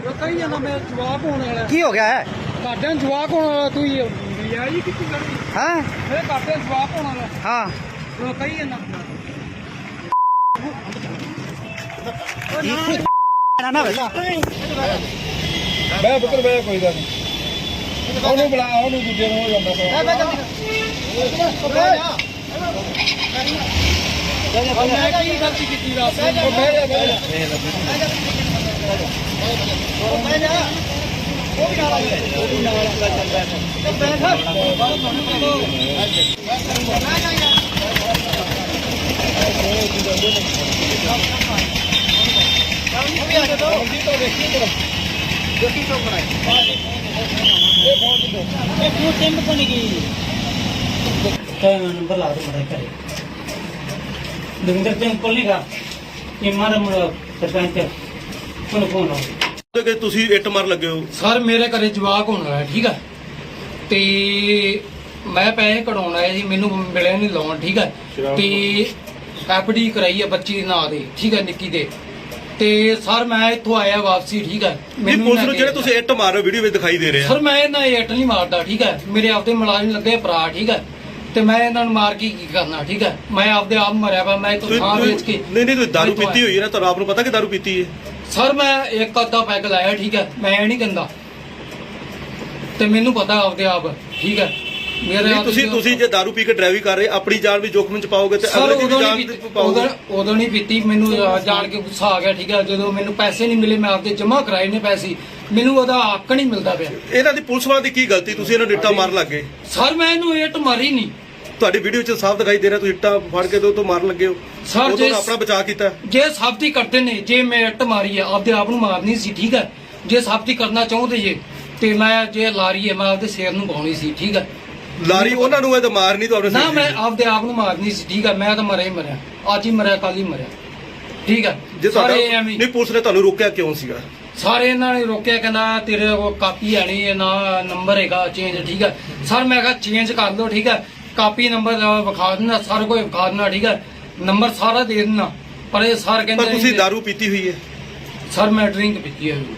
ਕਹੀ ਜਾਂਦਾ ਮੈਂ ਜਵਾਬ ਹੋਣ ਵਾਲਾ ਕੀ ਹੋ ਗਿਆ ਹੈ? ਘਾਟਿਆਂ ਜਵਾਬ ਹੋਣ ਵਾਲਾ ਤੂੰ ਹੀ ਲਿਆ ਜੀ ਕਿੱਥੇ ਕਰਨੀ ਹਾਂ ਮੇਰੇ ਘਾਟਿਆਂ ਜਵਾਬ ਹੋਣ ਵਾਲਾ ਹਾਂ ਉਹ ਕਹੀ ਜਾਂਦਾ ਨਾ ਵੇਲਾ ਮੈਂ ਪੁੱਤਰ ਮੈਂ ਕੋਈ ਗੱਲ ਨਹੀਂ ਉਹਨੂੰ ਬੁਲਾ ਉਹਨੂੰ ਦੂਜੇ ਨੂੰ ਹੋ ਜਾਂਦਾ ਮੈਂ ਕੀ ਗਲਤੀ ਕੀਤੀ ਰਾਤ ਨੂੰ नंबर ला दो करे दविंदर सिंह कोल नहीं गा इमार सरपंच कोन फोन लो ਕਿ ਤੁਸੀਂ ਇੱਟ ਮਾਰ ਲੱਗੇ ਹੋ। ਸਰ ਮੇਰੇ ਘਰੇ ਜਵਾਕ ਹੋਣ ਵਾਲਾ ਠੀਕ ਹੈ ਤੇ ਮੈਂ ਪੈਸੇ ਕਢਾਉਣ ਆਇਆ ਜੀ ਮੈਨੂੰ ਮਿਲਿਆ ਨਹੀਂ ਲੋਨ ਠੀਕ ਹੈ ਤੇ ਐਫਡੀ ਕਰਾਈ ਹੈ ਬੱਚੀ ਦੇ ਨਾਂ ਦੇ ਠੀਕ ਹੈ ਨਿੱਕੀ ਦੇ ਤੇ ਸਰ ਮੈਂ ਇੱਥੋਂ ਆਇਆ ਵਾਪਸੀ ਠੀਕ ਹੈ ਨਹੀਂ ਪੁਲਿਸ ਨੂੰ ਜਿਹੜੇ ਤੁਸੀਂ ਇੱਟ ਮਾਰ ਰਹੇ ਹੋ ਵੀਡੀਓ ਵਿੱਚ ਦਿਖਾਈ ਦੇ ਰਿਹਾ ਸਰ ਮੈਂ ਇਹਨਾਂ ਇੱਟ ਨਹੀਂ ਮਾਰਦਾ ਠੀਕ ਹੈ ਮੇਰੇ ਆਪਦੇ ਮੁਲਾਜ਼ਮ ਲੱਗੇ ਭਰਾ ਠੀਕ ਹੈ ਤੇ ਮੈਂ ਇਹਨਾਂ ਨੂੰ ਮਾਰ ਕੇ ਕੀ ਕਰਨਾ ਠੀਕ ਹੈ ਮੈਂ ਆਪਦੇ ਆਪ ਮਰਿਆ ਵਾ ਮੈਂ ਇੱਕ ਥਾਂ ਵੇਚ ਕੇ ਨਹੀਂ ਤੁਸੀਂ ਦਾਰੂ ਪੀਤੀ ਹੋਈ ਹੈ ਨਾ ਤੁਹਾਨੂੰ ਆਪ ਨੂੰ ਪਤਾ ਕਿ ਦਾਰੂ ਪੀਤੀ ਹੈ ਸਰ ਮੈਂ ਇੱਕ ਅੱਧਾ ਪੈਗ ਲਾਇਆ ਠੀਕ ਹੈ ਮੈਂ ਇਹ ਨਹੀਂ ਕਹਿੰਦਾ ਤੇ ਮੈਨੂੰ ਪਤਾ ਆਪਦੇ ਆਪ ਠੀਕ ਹੈ ਮੇਰੇ ਤੁਸੀਂ ਜੇ ਦਾਰੂ ਪੀ ਕੇ ਡਰਾਈਵਿੰਗ ਕਰ ਰਹੇ ਆਪਣੀ ਜਾਨ ਵੀ ਜੋਖਮ ਚ ਪਾਓਗੇ ਤੇ ਸਰ ਅਗਲੇ ਦੀ ਜਾਨ ਪਾਓਗੇ ਉਦੋਂ ਨਹੀਂ ਪੀਤੀ ਮੈਨੂੰ ਜਾਣ ਕੇ ਗੁੱਸਾ ਆ ਗਿਆ ਠੀਕ ਹੈ ਜਦੋਂ ਮੈਨੂੰ ਪੈਸੇ ਨਹੀਂ ਮਿਲੇ ਮੈਂ ਆਪਦੇ ਜਮ੍ਹਾਂ ਕਰਾਏ ਨੇ ਪੈਸੇ ਮੈਨੂੰ ਉਹਦਾ ਹੱਕ ਨਹੀਂ ਮਿਲਦਾ ਪਿਆ ਇਹਨਾਂ ਦੀ ਪੁਲਿਸ ਵਾਲਿਆਂ ਦੀ ਕੀ ਗਲਤੀ ਤੁਸੀਂ ਇਹਨਾਂ ਨੂੰ ਇੱਟਾਂ ਮਾਰਨ ਲੱਗੇ ਸਰ ਮੈਂ ਇਹਨੂੰ ਇੱਟ ਮਾਰੀ ਨਹੀਂ ਤੁਹਾਡੀ ਵੀਡੀਓ 'ਚ ਸਾਫ਼ ਦਿਖਾਈ ਦੇ ਰਿਹਾ ਤੁਸੀਂ ਇੱਟਾਂ ਫੜ ਕੇ ਤੋਂ ਮਾਰਨ ਲੱਗੇ ਹੋ ਸਰ ਉਹ ਤੋਂ ਆਪਣਾ ਬਚਾਅ ਕੀਤਾ ਜੇ ਸਾਬਤੀ ਕਰਦੇ ਨੇ ਜੇ ਮੈਂ ਇੱਟ ਮਾਰੀ ਹੈ ਆਪਦੇ ਆਪ ਨੂੰ ਮਾਰਨੀ ਸੀ ਠੀਕ ਹੈ ਜੇ ਸਾਬਤੀ ਕਰਨਾ ਚਾਹੁੰਦੇ ਜੇ ਤੇ ਮੈਂ ਜੇ ਲਾਰੀ ਹੈ ਮੈਂ ਆਪਦੇ ਸਿਰ ਨੂੰ ਪਾਉਣੀ ਸੀ ਠੀਕ ਹੈ ਲਾਰੀ ਉਹਨਾਂ ਨੂੰ ਇਹ ਤਾਂ ਮਾਰਨੀ ਤੁਹਾਨੂੰ ਨਾ ਮੈਂ ਆਪਦੇ ਆਪ ਨੂੰ ਮਾਰਨੀ ਸੀ ਠੀਕ ਹੈ ਮੈਂ ਤਾਂ ਮਰਿਆ ਹੀ ਮਰਿਆ ਅੱਜ ਹੀ ਮਰਿਆ ਕੱਲ ਹੀ ਮਰਿਆ ਠੀਕ ਹੈ ਜੇ ਸਾਰੇ ਤੁਹਾਡਾ ਐਵੇਂ ਨਹੀਂ ਪੁਲਿਸ ਨੇ ਤੁਹਾਨੂੰ ਰੋਕਿਆ ਕਿਉਂ ਸੀਗਾ ਸਾਰੇ ਇਹਨਾਂ ਨੇ ਰੋਕਿਆ ਕਹਿੰਦਾ ਤੇਰੇ ਕੋਲ ਕਾਪੀ ਹੈ ਨਹੀਂ ਨਾ ਨੰਬਰ ਹੈਗਾ ਚੇਂਜ ਠੀਕ ਹੈ ਸਰ ਮੈਂ ਕਿਹਾ ਚੇਂਜ ਕਰ ਲਓ ਠੀਕ ਹੈ ਕਾਪੀ ਨੰਬਰ ਵਿਖਾ ਦੇਣਾ ਸਾਰਾ ਕੋਈ ਵਿਖਾ ਦੇਣਾ ਠੀਕ ਹੈ ਨੰਬਰ ਸਾਰਾ ਦੇ ਦੇਣਾ ਪਰ ਇਹ ਸਰ ਕਹਿੰਦੇ ਪਰ ਤੁਸੀਂ ਦਾਰੂ ਪੀਤੀ ਹੋਈ ਹੈ ਸਰ ਮੈਂ ਡਰਿੰਕ ਪੀਤੀ ਹੈ